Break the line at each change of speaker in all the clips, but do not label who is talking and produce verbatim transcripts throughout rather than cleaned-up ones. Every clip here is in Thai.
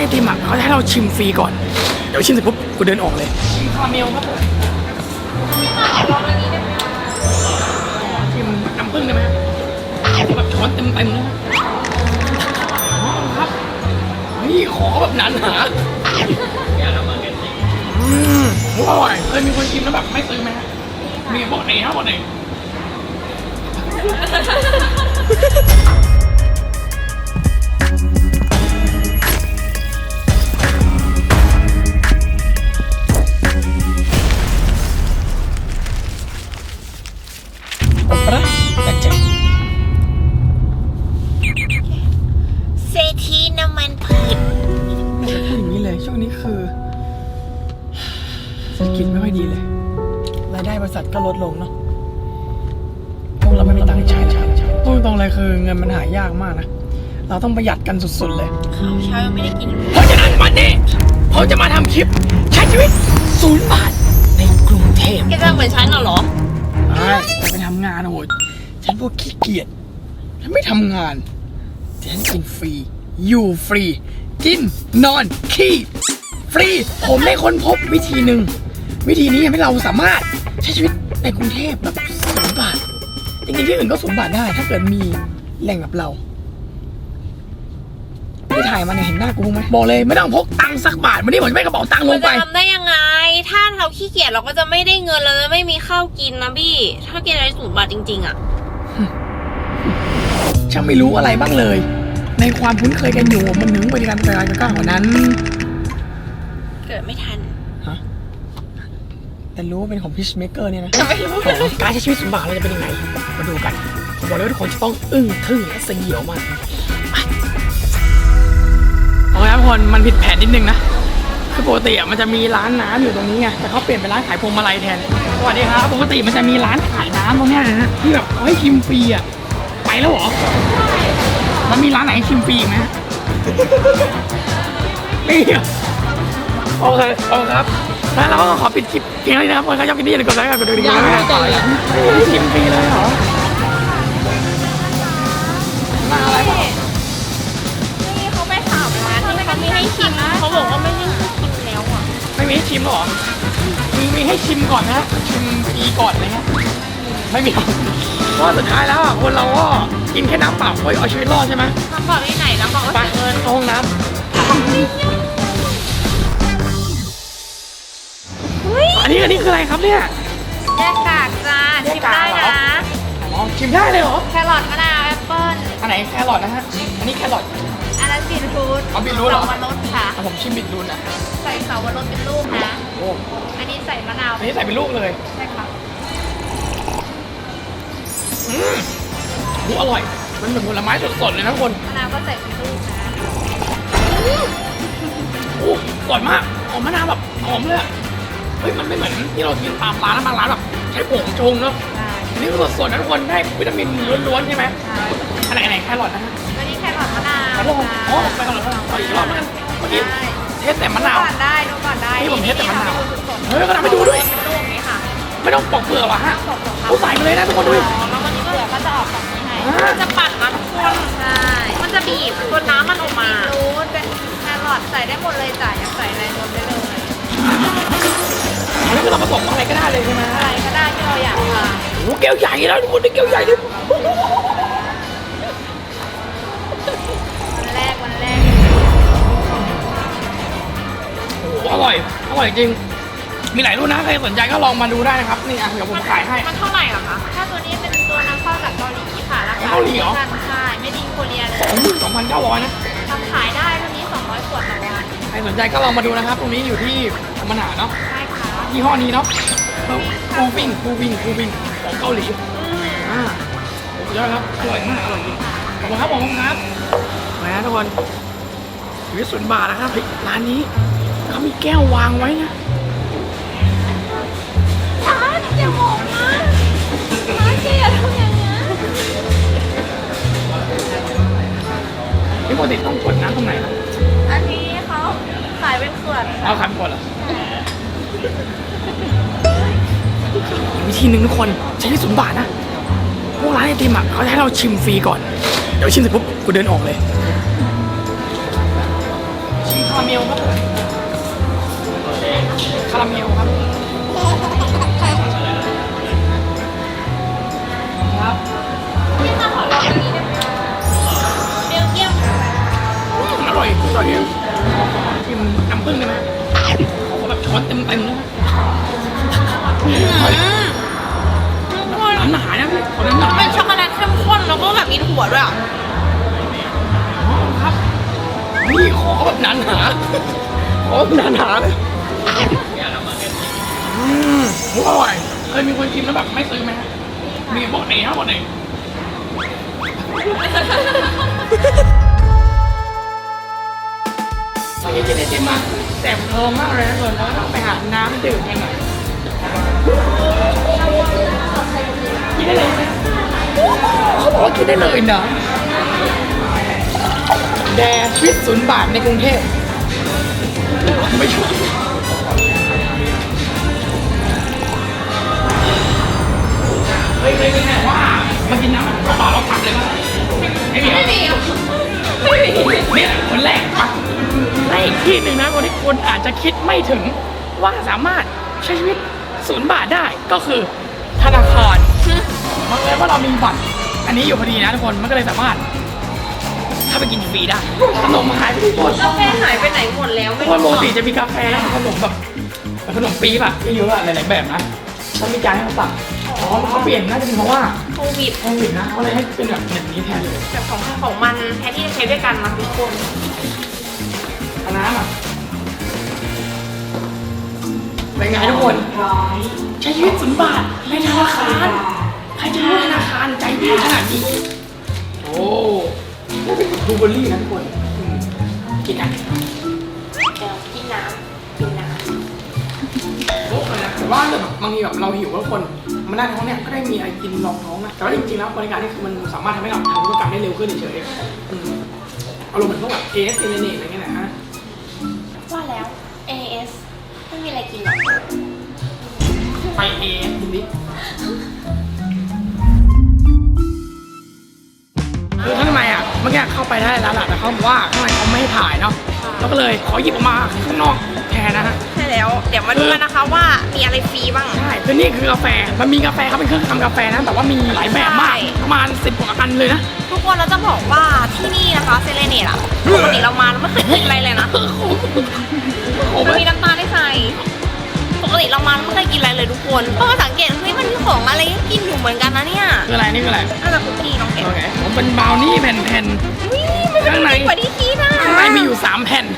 ไอติมอ่ะเขาจะให้เราชิมฟรีก่อนเดี๋ยวชิมเสร็จปุ๊บกูเดินออกเลยชิมคาราเมลครับผมชิมน้ำผึ้งได้ไหมแบบช้อนเต็มเต็มเลยครับนี่ขอแบบนั้นหาอืมอร่อยเคยมีคนกินแล้วแบบไม่ซื้อไหมฮะมีบอกไหนครับบอกไหน
เศรษฐีน้ำมันพืช
พูดอย่างนี้เลยช่วงนี้คือเศรษฐกิจไม่ค่อยดีเลยรายได้บริษัทก็ลดลงเนาะพวกเราไม่มีตังค์ใช้ใช้ใช้พูดตรงเลยคือเงินมันหายากมากนะเราต้องประหยัดกันสุดๆเลย
ข้าวเช้ายังไม่ได้กิน
เพราะฉะนั้นวันนี้ผมจะมาทำคลิปใช้ชีวิตศูนย์บาทในกรุงเทพ
แกจะเหมือนฉันเหรอ
ใช่จะไปทำงานโอ้โหฉันพวกขี้เกียจฉันไม่ทำงานฉันกินฟรีอยู่ฟรีกินนอนขี้ฟรีผมได้ค้นพบวิธีหนึ่งวิธีนี้ทำให้เราสามารถใช้ชีวิตในกรุงเทพแบบศูนย์บาทจริงๆที่อื่นก็ศูนย์บาทได้ถ้าเกิดมีแหล่งแบบเราที่ถ่ายมาเนี่ยเห็นหน้ากูไหมบอกเลยไม่ต้องพกตังค์สักบาทวันนี้ผมจะไม่กระเป๋าตังค์ลงไป
จะทำได้ยังไงถ้าเราขี้เกียจเราก็จะไม่ได้เงินเราจะไม่มีข้าวกินนะพี่ถ้ากินอะไรศูนย์บาทจริงๆอ่ะ
ช่างไม่รู้อะไรบ้างเลยในความคุ้นเคยกันอยู่มันถึงบริการบริการกันก้าวกว่านั้น
เกิดไม่ทัน
ฮะแต่รู้ว่าเป็นของพิชเมเกอร์เนี่ยนะ
ไม่รู้
การใช้ชีวิตศูนย์บาทเราจะเป็นยังไงมาดูกันผมบอกเลยว่าทุกคนจะต้องอึ้งทึ่งและสยิวมากโอเคครับทุกคนมันผิดแผนนิดนึงนะคือปกติอ่ะมันจะมีร้านน้ำอยู่ตรงนี้ไงแต่เขาเปลี่ยนเป็นร้านขายพวงมาลัยแทนสวัสดีครับปกติมันจะมีร้านขายน้ำตรงนี้นะที่แบบเขาให้ชิมฟรีอ่ะไปแล้วเหรอแล้วมีร้านไหนชิมฟรีไหมไม่โอเคโอเคครับแล้วเราก็ขอปิดคลิปเพียงเท่านี้นะครับคนใครชอบคลิปนี้อย่าลืมกดไลค์กดกระดิ่งยังไม่ต่อเลยไม่ชิมฟรีเลยเหรอมาอะไรบ้าง
นี่เขาไปถามร้านที่เขามีให้ชิมเขาบอกว่าไม่ให้ชิมแล้วอ่ะ
ไม่มีให้ชิมหรอมีมีให้ชิมก่อนนะชิมฟรีก่อนอะไรเงี้ยไม่มีเพราะสุดท้ายแล้วอ่ะคนเราก็กินแค่น้ำเปล่าเฮ้ยเอาชีวิตรอดใช่ไหม
น้ำเปล่าที่ไหนน้ำเปล่าก็เงิน
ห้องน้ำอันนี้อันนี้คืออะไรครับเนี่ย
แยกกากจ้าชิมได้นะ
อ๋อชิมได้เลยเหรอ
แครอทมะนาวแอปเปิ้ล
อันไหนแครอทนะฮะอันนี้แครอท
อันนั้นบีทรูท
เอาบีทรูทเหรอ
เสาวรสค่ะ
ผมชิมบีทรูทนะ
ใส่เสาวรสเป็นลูกนะ
โอ้
อันนี้ใส่มะนาว
อันนี้ใส่เป็นลูกเลย
ใช่ครับ
อืมอร่อยมันเหมือนผลไม้สดๆเลยนะทุกคน
มะนาวก็ใส่เป็นลูกนะ
โอ้อร่อยมากหอมมะนาวแบบหอมเลยเฮ้ยมันไม่เหมือนที่เรากินตามร้านแล้วบางร้านแบบใช้ผงชงเนาะนี่คือสดๆนะทุกคนได้วิตามินล้วนๆใช่ไหมอันไหนอันไหนแครอทนะฮะ
อันนี้แครอทมะนาว
อ๋อแครอทมะนาวอีกรอบนึงเมื่อกี้เทสแต่มะนาว
ก่อนได้ดูก่อนได้
นี่ผมเทสแต่มะนาวเฮ้ยก็ทำให้ดูด้วยไม่ต้องปอกเปลือกหรอฮะเขาใส่มาเลยนะทุกคนดู
แล้ววันนี้เปลือกก็จะออกแบบนี้ให้จะปั่นนะทุกคนใช่มันจะบีบตัวน้ำมันออกมารูทเป็นแครอทใส่ได้หมดเลยจ้ะอยากใส่อะไรรวมได้เลย
อันนี้คือเราผสมอะไรก็ได้เลยใช่ไหม
อะไรก็ได้ที่เราอยากทาน
โอ้แก้วใหญ่แล้วทุกคนได้แก้วใหญ่เลย
วันแรกวันแรก
โอ้อร่อยอร่อยจริงมีหลายรุ่นนะใครสนใจก็ลองมาดูได้นะครับนี่อ่ะเดี๋ยวผมขายให้
มันเท่าไหร่อะคะถ้าตัวนี้เป็นตัวนำเข้าจากเกาหลีค่ะราคา
เกาหลีเหรอ
ใช่ไม่ดีโคเรียเลย
สองหมื่นสองพันเก้าร้อยนะ
ทำขายได้ตัวนี้สองร้อยขวดต่อวัน
ใครสนใจก็ลองมาดูนะครับตรงนี้อยู่ที่ธรรมนาเนาะ
ใช่ค่ะ
ยี่ห้อนี้เนาะฟูวิ่งฟูวิ่งฟูวิ่งของเกาหลีอ่าโอ้ยอดครับอร่อยมากอร่อยจริงขอบคุณครับผมครับนะทุกคนชีวิตศูนย์บาทนะครับร้านนี้เขามีแก้ววางไว้นะ
ร้านอย่ามองนะร้านเจ๊ทำอย่างนี้
นี่ปกติต้องกดน้ำตรงไหนครับ
อันนี้เขาขายเป็นขวด
เอาขายเป็นขวดเหรอวิธีหนึ่งทุกคนใช้ที่ศูนย์บาทนะพวกร้านไอติมอ่ะเขาจะให้เราชิมฟรีก่อนเดี๋ยวชิมเสร็จปุ๊บกูเดินออกเลยชิมคาราเเมลครับคาราเมลครับครับ
พี่มาขอลองอันนี้ได้ไหมเบลเยียม
อร่อยอร่อยกินน้ำผึ้งได้ไหมขอแบบช้อนเต็มเต็มๆนะน้ำหนานะพี่ขอน้ำหนา
เป็นช็อกโกแลตเข้มข้นแล้วก็แบบมีถั่วด้วยอ่ะ
ครับนี่ขอแบบหนาหนาขอแบบหนาหนาเลยอืมอร่อยเคยมีคนกินแล้วแบบไม่ซื้อไหมฮะมีบอกไหนฮะบอกไหนเราจะกินไอติมมาแสบท้องมากเลยนะส่วนเราต้องไปหาน้ำดื่มกันหน่อยกินได้เลยเขาบอกว่ากินได้เลยนะแดชีวิตศูนย์บาทในกรุงเทพไม่ช่วยเฮ้ยเคยเป็นไงว่ามากินน้ำต่อเราขับเลยมั้ยไม่มี
ไม่มีอ่ะไม่มี
เนี่ยคนแรกปะและอีกที่หนึ่งนะคนที่คนอาจจะคิดไม่ถึงว่าสามารถใช้ชีวิตศูนย์บาทได้ก็คือธนาคารมันเลยว่าเรามีบัตรอันนี้อยู่พอดีนะทุกคนมันก็เลยสามารถถ้าไปกินฟรีได้ขนมหายไปทุกคน
กาแฟหายไปไหนหมดแล้ว
ทุกคนปกติจะมีกาแฟแล้วขนมแบบขนมปี๊บอะที่เยอะอะหลายๆแบบนะต้องมีจานให้เขาสั่งอ๋อเขาเปลี่ยนน่าจะเป็นเพราะว่า
โควิด
โควิดนะเขาเลยให้เป็นแบบอย่างนี้แทนเลย
แบบของใครของมันแทนที่จะใช้ด้วยกันนะทุกคน
เอาน้ำอ่ะเป็นไงทุกคนใช้ชีวิตศูนย์บาทในธนาคารใครจะรู้ธนาคารใจดีขนาดนี้โอ้นี่เป็นบลูเบอร์รี่นะทุกคนอืมกินอ่ะ
เดี๋ยวกินน้ำกินน้
โอ้เลยนะแต่ว่าแบบบางทีแบบเราหิวแล้วคนมันนั่งท้องเนี่ยก็ได้มีอะไรกินรองท้องนะแต่ว่าจริงๆแล้วบริการนี่คือมันสามารถทำให้เราทำธุรกรรมได้เร็วขึ้นเฉยๆอืมอารมณ์เหมือนพวกแบบเอสเอเนเนตอะไรเงี้ยนะฮะ
ำว่าแล้ว เอ เอส ไม่มีอะไรกินหรอก
ไปเอสดูดิคือข้างในอ่ะเมื่อกี้เข้าไปได้แล้วล่ะแต่เขาบอกว่าข้างในเขาไม่ให้ถ่ายเนาะเราก็เลยขอหยิบออกมาข้างนอกแทนนะฮะ
ใช่แล้ว เดี๋ยวมาดูกันนะคะว่ามีอะไรฟรีบ้าง
ใช่คือนี่คือกาแฟมันมีกาแฟเขาเป็นเครื่องทำกาแฟนะแต่ว่ามีหลายแบบมากประมาณสิบกว่าอันเลยนะ
ทุกคนเราจะบอกว่าที่นี่นะคะเซเลเนตอะปกติเรามาเราไม่เคยกินอะไรเลยนะ
โอ้
มัน
โห
มีน้ำตาลได้ใส่ปกติเรามาเราไม่เคยกินอะไรเลยทุกคนเพราะว่าสังเกตเฮ้ยมันมีของอะไรให้กินอยู่เหมือนกันนะเนี่ย
คืออะไรนี่คืออะไร
น่าจะคุกกี้น้องเก๋
โอเคผมเป็นบราวนี่แผ่น
วิมันจะมีกว่าที่คิดอ่ะ
ๆข้างในมีอยู่สามแผ่น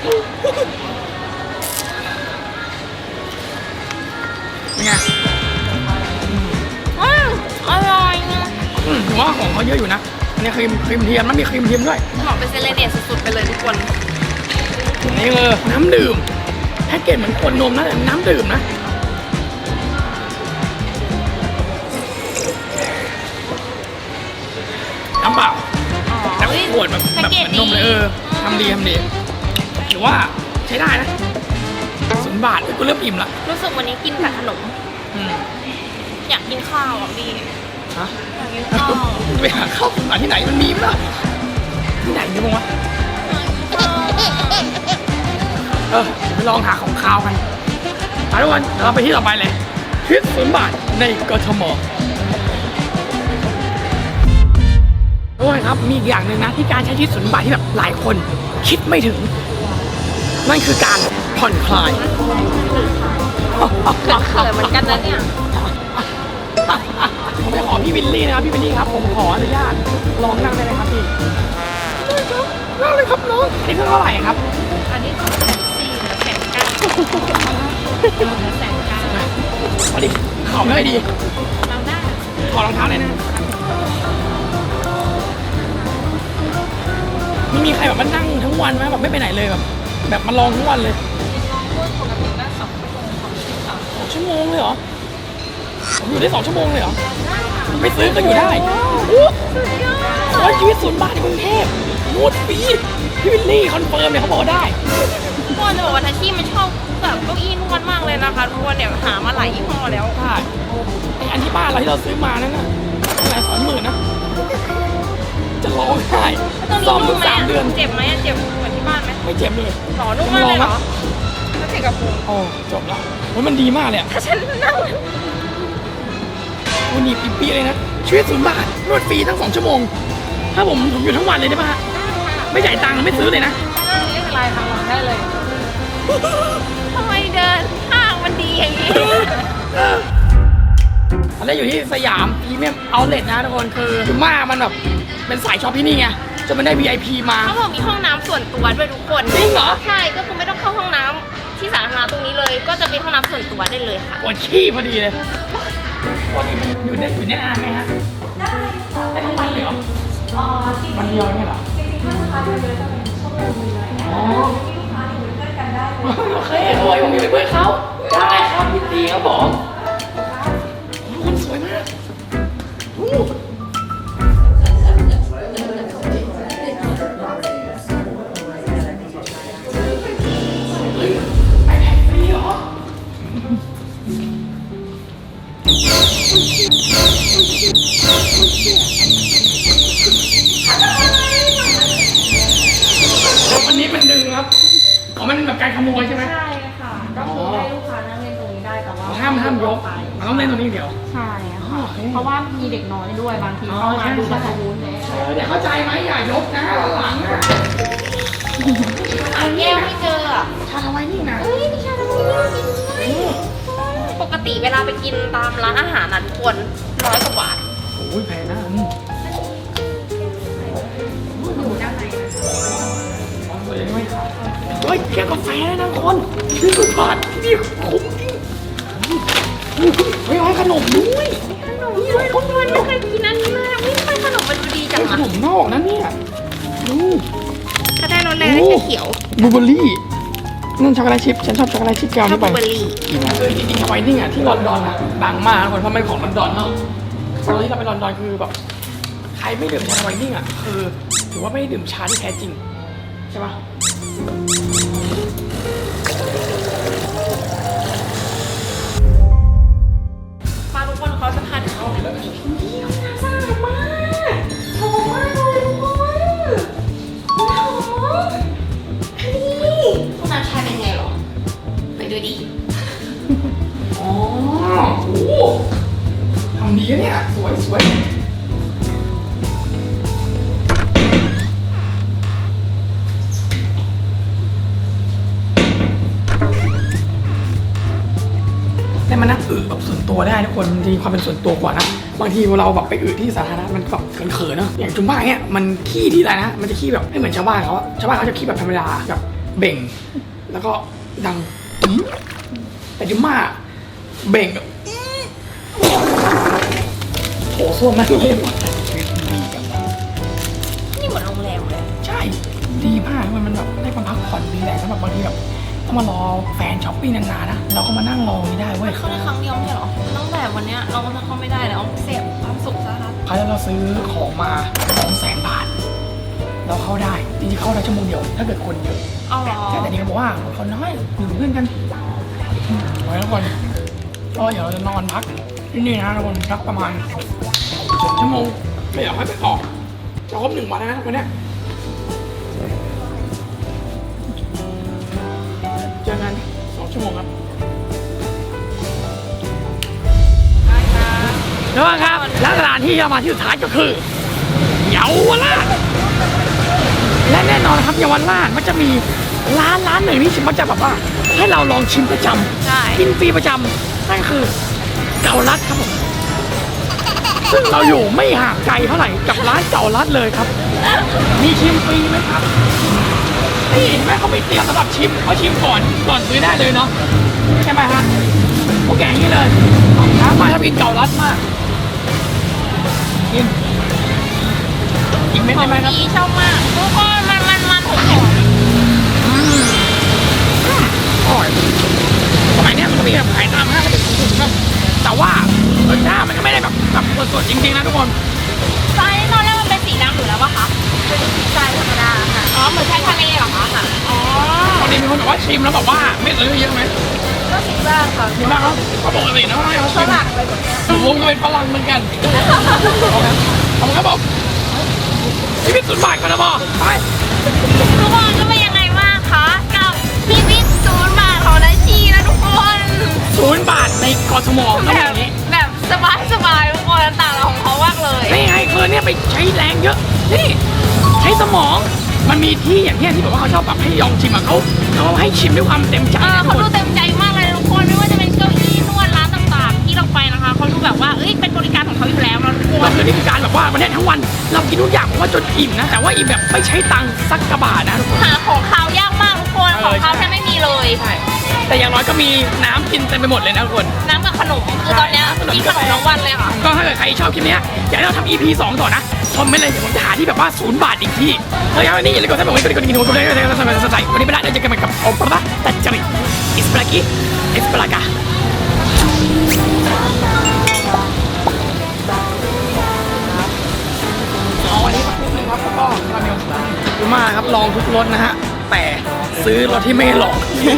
เป็นไง
อืมอร่อยนะ
อืมผมว่าของเขาเยอะอยู่นะอันนี้ครีมครีมเทียมนะมีครีมเทียมด้วย
เหมาะเป็นเซเลเนตสุดๆไปเลยทุกคน
นี่คือน้ำดื่มแพ็กเกจเหมือนขวดนมนะแต่น้ำดื่มนะน้ำเปล่า
อ๋อ
แต่ขวดแบบแบบเหมือนนมเลยเออทำดีทำดีถือว่าใช้ได้นะศูนย์บาทกูเริ่มอิ่มละ
รู้สึกวันนี้กินแต่ขนม
อืม
อยากกินข้าวอ่ะพี่
ฮะ
อยากกินข้าว
ไปหาข้าวหาที่ไหนมันมีมั้ยที่ไหนเนี่ยบ้างวะเออไปลองหาของข้าวกันไปทุกคนเดี๋ยวเราไปที่ต่อไปเลยชีวิตศูนย์บาทในกทมทุกคนครับมีอีกอย่างหนึ่งนะที่การใช้ชีวิตศูนย์บาทที่แบบหลายคนคิดไม่ถึงนั่นคือการผ่อนคลาย
เขินเหมือนกันนะเนี่ย
ผมไปขอพี่วิลลี่นะครับพี่วิลลี่ครับผมขออนุญาตลองนั่งได้ไหมครับพี่นั่งเลยครับน้องนี่คือเท่าไหร่ครับ
อันนี้คือแสนสี่เหลือแสนเก้าเหลือแสนเก้า
พอดีขอบเลยดี
เราได้
ขอรองเท้าเลยนะไม่มีใครแบบมานั่งทั้งวันไหมแบบไม่ไปไหนเลยแบบแบบมาลองทั้งวันเลย
ปกติได้สองชั่วโมงของชิ้นสาม
สองชั่วโมงเลยเหรอผมอยู่ได้สองชั่วโมงเลยเหรอไม่ซื้อก็อยู่ได้โอ้โหชีวิตศูนย์บาทในกรุงเทพมูดฟรีพี่วิลลี่คอนเฟิร์มเนี่ยเขาบอกได้
ทุกคนจะบอกว่าทัชชี่มันชอบแบบเก้าอี้นวดมากเลยนะคะทุกคนเนี่ยหามาหลายยี่ห้อแล้ว
ใช่ไออันที่บ้านเราที่เราซื้อมานั่นน่ะหลายสองหมื่นนะจะร้องไห้
ตรงนี้
ซ่อม
นุ่
ทุ
ม
ก
ไหม
สาม
อะ
เดือน
เจ็บไหมอะเจ็บเหมือนที่บ้านไหม
ไม่เจ็บเลย
หรอนุ่มมากเลยเหรอถ้าเจ็บกับพุง
โอ้จบแล้วโอ้ยมันดีมากเลยอะ
ถ้าฉันนั่ง
วันนี้ปีปีเลยนะชีวิตศูนย์บาทนวดฟรีทั้งสองชั่วโมง ถ้าผมผมอยู่ทั้งวันเลยได้ปะฮะไม่จ่ายตังค์ไม่ซื้อเลยนะ
นี่เป็นไรทางหลังได้เลยทำไมเดินห้างมันดีอย่างนี้
อันนี้อยู่ที่สยามพรีเมียมเอาท์เลทนะทุกคนคือจุม่ามันแบบเป็นสายช็อปที่นี่ไงจนมันได้ วี ไอ พี มา
เขาบอกมีห้องน้ำส่วนตัวด้วยทุกคน
จริงเหรอ
ใช่ก็คือไม่ต้องเข้าห้องน้ำที่สาธารณะตรงนี้เลย ก็จะเป็นห้องน้ำส่วนตัวได้เลยค่ะ
ปวดขี้พอดีเลยปกติมันอยู่ได้อยู่ได้นานไหมฮะได้ได้ทั้งวันเลยเหรอวันเดียวเนี่ยเหรออ๋อโอเคโอ้ยผมมีเป็นเพื่อนเขาได้ครับยินดีครับผมคุณสวยมากอู้เฮ้ยไอแพดฟรีเหรอวันนี้มันดึงครับอ๋อมันแบบการขโมยใช่ไหม
ใช่ค่ะก็คือให้ลูกค้านั่งเล่นตรงนี้ได้แต่ว่า
ห้ามห้ามยกมันต้องเล่นตรงนี้เดี๋ยว
ใช่ค่ะเพราะว่ามีเด็กน้อยด้วยบางที
อ๋อ
เข้ามา
ใช่
ดู
ใช่
ประตูเลย
เออเดี๋ยวเข้าใจไหมอย่ายกนะหลังอ่ะ
หาแก้วไม่เจออ่ะ
ชาทำไมนี่นะ
เฮ้ยไม่ใช่ทำไมเนี่ยจริงด้วยปกติเวลาไปกินตามร้านอาหารนั้นควรร้อยกว่าบาท
โอ้ยแพงนะอืม
อยู่ด้านในนะ
เฮ้ยแค่กาแฟนะคนที่สุดบาทนี่คุ้มจริงเฮ้ยให้ขนมด้วย
ขนมด้วยทุกคนไม่เคยกินอันนี้เลยไม่เคยขนมมันดูดีจัง
ข
อะ
นมนอกนะเนี่ยดู
ถ้าได้รสแรงก็จะเขียว
บลูเบอร์รี่นั่นช็อกโกแลตชิพฉันชอบช็อกโกแลตชิพแก้ว
ชอบ
นี่
บ
ไป
ลูเบอร์รี่
เออจริงๆทำไมนี่อ่ะที่ลอนดอนอ่ะดังมากนะคนเพราะมันของลอนดอนเนาะตอนที่เราไปลอนดอนคือแบบใครไม่ดื่มชาไวนิ่งอ่ะคือถือว่าไม่ได้ดื่มชาที่แท้จริงใช่ปะ
มาทุกคนเขาจะพาถึงห้องน้ำนี่น้ำสะอาดมากหอมมากเลยทุกคนหอมนี่ห้องน้ำชายเป็นไงหรอไปดูดิ
อ๋อโอ้โหทำดีนะเนี่ยสวยสวยได้มานั่งอึแบบส่วนตัวได้ทุกคนมันมีความเป็นส่วนตัวกว่านะบางทีเราแบบไปอึที่สาธารณะมันแบบเขินๆเนอะอย่างจุ๊บ้าเนี่ยมันขี้ที่ไรนะมันจะขี้แบบไม่เหมือนชาวบ้านเขาอะชาวบ้านเขาจะขี้แบบธรรมดาแบบเบ่ง แล้วก็ดังอื้อแต่จุ๊บ้าเบ่งแบบอื้อโถส้วมนั่นเลย
นี่เหมือนโรงแรมเลย
ใช่ดีมากมันมันแบบได้มาพักผ่อนดีแหละแล้วแบบบางทีแบบต้องมารอแฟนช้อปปิ้งนานๆนะเราก็มานั่งรอนี่ได้เว้ย
เข้าได้ครั้งเดียวไม่ใช่หรอตั้งแต่วันเนี้ยเราก็จะเข้าไม่ได้แล้วเสพความสุขซะครับ
คราวที่เราซื้อของมาสองแสนบาท เราเข้าได้จริงๆเข้าได้ชั่วโมงเดียวถ้าเกิดคนเยอะ
เอาเหรอ
แต่แต่นี่เขาบอกว่าคนน้อยอยู่เพื่อนกันไว้แล้วคนก็เดี๋ยวเราจะนอนพักที่นี่นะทุกคนพักประมาณสองชั่วโมงไม่อยากให้ไปออกจะครบหนึ่งวันแล้วนะวันเนี้ยเจอกันสองชั่วโมงครับแล้วครับและสถานที่ที่เรามาที่สุดท้ายก็คือเยาวราชและแน่นอนครับเยาวราชมันจะมีร้านร้านหนึ่งที่มันจะแบบว่าให้เราลองชิมประจำ
ใช่
กินฟรีประจำนั่นคือเกาลัดครับผมซึ่งเราอยู่ไม่ห่างไกลเท่าไหร่กับร้านเกาลัดเลยครับ มีชิมฟรีไหมครับนี่เห็นไหมเขาไปเตรียมสำหรับชิมเขาชิมก่อนก่อนซื้อได้เลยเนาะใช่ไหมฮะโอเคอย่างนี้เลยน้ำมาถ้ากินเกาลัดมากกินอีกเม็ด
ขอ
ได้
ง
ไหมครับ
ดีชอบมากทุกคนมันมันมันหอมหอม
อืมอืมอร่อยสมัยเนี้ยมันก็มีแบบขายตามห้างก็เป็นถุงๆนะแต่ว่ารสชาติมันก็ไม่ได้แบบแบบสดๆจริงๆนะทุกคน
ไส้ตอนแรกมันเป็นสีดำอยู่แล้วปะคะเป็นสีไส้ธรรมดาค่ะอ๋อเหมือนไส้ทะเลเหรอคะค่ะอ๋อ
ตอนนี้มีคนบอกว่าชิมแล้วบอกว่าไม่ซื้อเยอะไหม
ก็สีบ้างค่ะ
มีบ้างครับเขาปกตินะว่าให้เขา
ฝ
ชิม
รั่งไปหมดแล้ว
ผมก็เป็นฝรั่งเหมือนกันขอบคุณครับผมนี่เป็นศูนย์บาทกันนะบอไป
ทุกคนก็เป็นยังไงบ้าง
อดสมองต้อง
แบ
แบบ บนี้
แบบสบายสบายทุกคนต่างของเขามากเลย
นี่ไงคือเนี่ยไปใช้แรงเยอะนี่ใช้สมองมันมีที่อย่างเนี้ยที่บอกว่าเขาชอบแบบให้ลองชิมอะเขาเขาให้ชิมด้วยความเต็มใจ
เออ
นะทุ
เขา
กค
ดู
น
เต็มใจมากเลยทุกคนไม่ว่าจะเป็นเก้าอี้นวดร้านต่างๆ ที่เราไปนะคะเขาดูแบบว่าเอ้ยเป็นบริการของเขาอยู่แล้วนะทุกคน
เราคือนี่คือการแบบว่าวันนี้ทั้งวันเรากินทุกอย่างผมว่าจนอิ่มนะแต่ว่าอิ่มแบบไม่ใช้ตังค์สักกระบาทนะทุกคน
หาของเขาวยากมากทุกคนของเขาแทบไม่มีเลย
ใช่แต่อย่างน้อยก็มีน้ำกินเต็มไปหมดเลยนะทุกคน
น้ำกับขนมคือตอนเนี้ยมีขนมทั้งวันเลยค่ะ
ก็ถ้าเกิดใครชอบคลิปเนี้ยอยากให้เราทำ อี พี สองต่อนะคอมเมนต์เลยเดี๋ยวผมจะหาที่แบบว่าศูนย์บาทอีกที่เฮ้ยวันนี้อย่าลืมกดซับสไครต์กดกระดิ่งกดกระดิ่งกดกระดิ่งกดกระดิ่งกดกระดิ่งกดกระดิ่งวันนี้ไม่ได้เดี๋ยวเจอกันใหม่กับโอปราตัจจริอิสปลากิอิสปลากาเอาวันนี้สักนิดนึงครับแล้วก็คาราเมลคือมาครับลองทุกรสนะฮะแต่ซื้อรสที่ไม่ลอง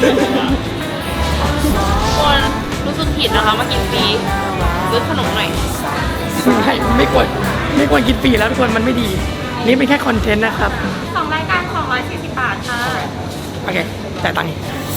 ทุกคนรู้สึกผิดนะคะมากินฟรีซื้อขนมหน่อย
ไม่ไม่ควรไม่ควรกินฟรีแล้วทุกคนมันไม่ดี นี่เป็นแค่คอนเทนต์นะครับ
สองรายการสองร้อยสี่สิบบาทค่ะ
โอเคจ่ายตังค์